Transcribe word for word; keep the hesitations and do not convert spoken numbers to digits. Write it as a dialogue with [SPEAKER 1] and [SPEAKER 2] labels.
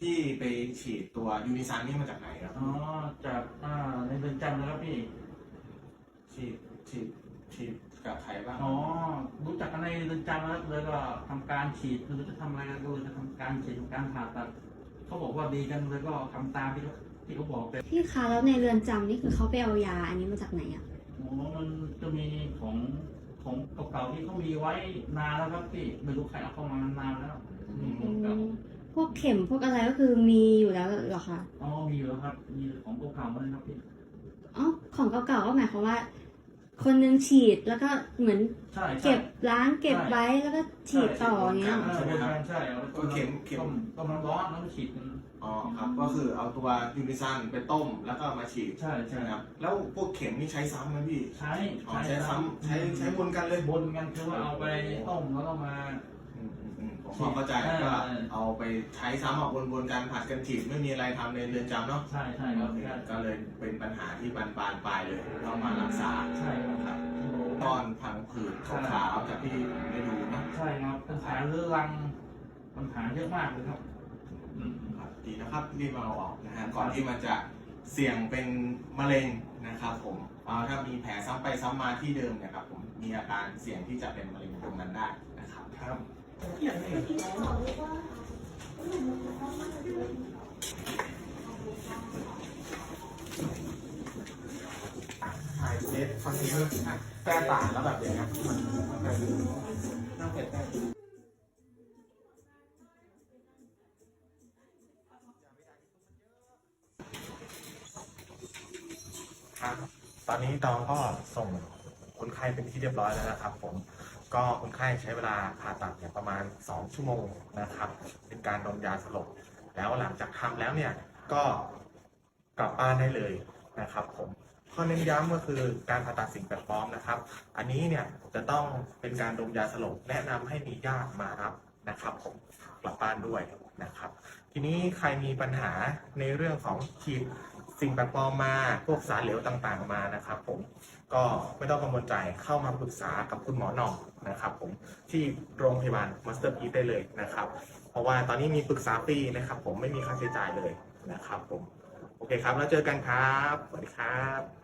[SPEAKER 1] พี่ไปฉีดตัวยูนิซันนี่มาจากไหนครับ
[SPEAKER 2] อ๋อจากอ่าในเรือนจำนะครับพี่
[SPEAKER 1] ฉีดฉีดฉีดกับใครบ้าง
[SPEAKER 2] อ๋อรู้จักกันในเรือนจำแล้วเลยก็ทำการฉีดคือจะทำอะไรกันก็เลยจะทำการฉีดทำการผ่าตัดเขาบอกว่าดีกันเลยก็ทำตามที่เขาที่เขาบอกเลย
[SPEAKER 3] พี่คะแล้วในเรือนจำนี่คือเขาไปเอายาอันนี้มาจากไหนอ่ะ
[SPEAKER 2] อ๋อมันจะมีของของเก่าๆที่เขามีไว้นานแล้วครับพี่ไม่รู้ใครเอาเข้ามานานแล้วมีของเก่า
[SPEAKER 3] พวกเข็มพวกอะไรก็คือมีอยู่แล้วเหรอคะ
[SPEAKER 2] อ๋อมีอยู่แล้วครับมีของเก่าๆมาเลยครับพี่
[SPEAKER 3] อ๋อของเก่าๆก็หมายความว่าคนนึงฉีดแล้วก็เหมือนเก็บล้างเก็บไว้แล้วก็ฉีดต่ออย่างเงี้ย
[SPEAKER 2] ใช่ครับใช่
[SPEAKER 1] ก็เข็มเข็ม
[SPEAKER 2] ต้มน้ำร้อนแล้วก็ฉีด
[SPEAKER 1] อ๋อครับก็คือเอาตัวยูนิซันไปต้มแล้วก็มาฉีด
[SPEAKER 2] ใช่ใช่
[SPEAKER 1] ครับแล้วพวกเข็มนี่ใช้ซ้ำไหมพี่
[SPEAKER 2] ใช้
[SPEAKER 1] ใช้ซ้ำใช้ใช้บนกันเลย
[SPEAKER 2] บนกันคือว่าเอาไปต้มแล้วก็มา
[SPEAKER 1] ผมเข้าใจก็เอาไปใช้ซ้ำออกวนๆกันผัดกันฉีดไม่มีอะไรทำในเรือนจำเนาะ
[SPEAKER 2] ใช่ใช่ครับ
[SPEAKER 1] ก็เลยเป็นปัญหาที่บานปลายไปเลยต้องมารักษา
[SPEAKER 2] ใช่ครับ
[SPEAKER 1] ตอนพังผืดขาวๆจากที่ได้ดูนะ
[SPEAKER 2] ใช่ครับปัญหาเรื้อรังปัญหาเยอะมากเลยครับ
[SPEAKER 1] ดีนะครับรีบมาเอาออกนะฮะก่อนที่มันจะเสี่ยงเป็นมะเร็งนะครับผมเอาถ้ามีแผลซ้ำไปซ้ำมาที่เดิมเนี่ยครับผมมีอาการเสี่ยงที่จะเป็นมะเร็งตรงนั้นได้นะครับครับถ่ายเน็ตฟังนี้แป้ต่างแล้วแบบอย่างเงี้ยมันน่าเผ็ดครับตอนนี้ตองก็ส่งคนไข้เป็นที่เรียบร้อยแล้วนะครับผมก็คนไข้ใช้เวลาผ่าตัดเนี่ยประมาณสองชั่วโมงนะครับเป็นการดมยาสลบแล้วหลังจากทำแล้วเนี่ยก็กลับบ้านได้เลยนะครับผมข้อเน้นย้ำก็คือการผ่าตัดสิ่งแปลกปลอมนะครับอันนี้เนี่ยจะต้องเป็นการดมยาสลบแนะนำให้มีญาติมารับนะครับผมกลับบ้านด้วยนะครับทีนี้ใครมีปัญหาในเรื่องของฉีดสิ่งแปลกปลอมมาพวกสารเหลวต่างๆมานะครับผมก็ไม่ต้องกังวลใจเข้ามาปรึกษากับคุณหมอหน่องนะครับผมที่โรงพยาบาลมาสเตอร์พีซได้เลยนะครับเพราะว่าตอนนี้มีปรึกษาฟรีนะครับผมไม่มีค่าใช้จ่ายเลยนะครับผมโอเคครับแล้วเจอกันครับสวัสดีครับ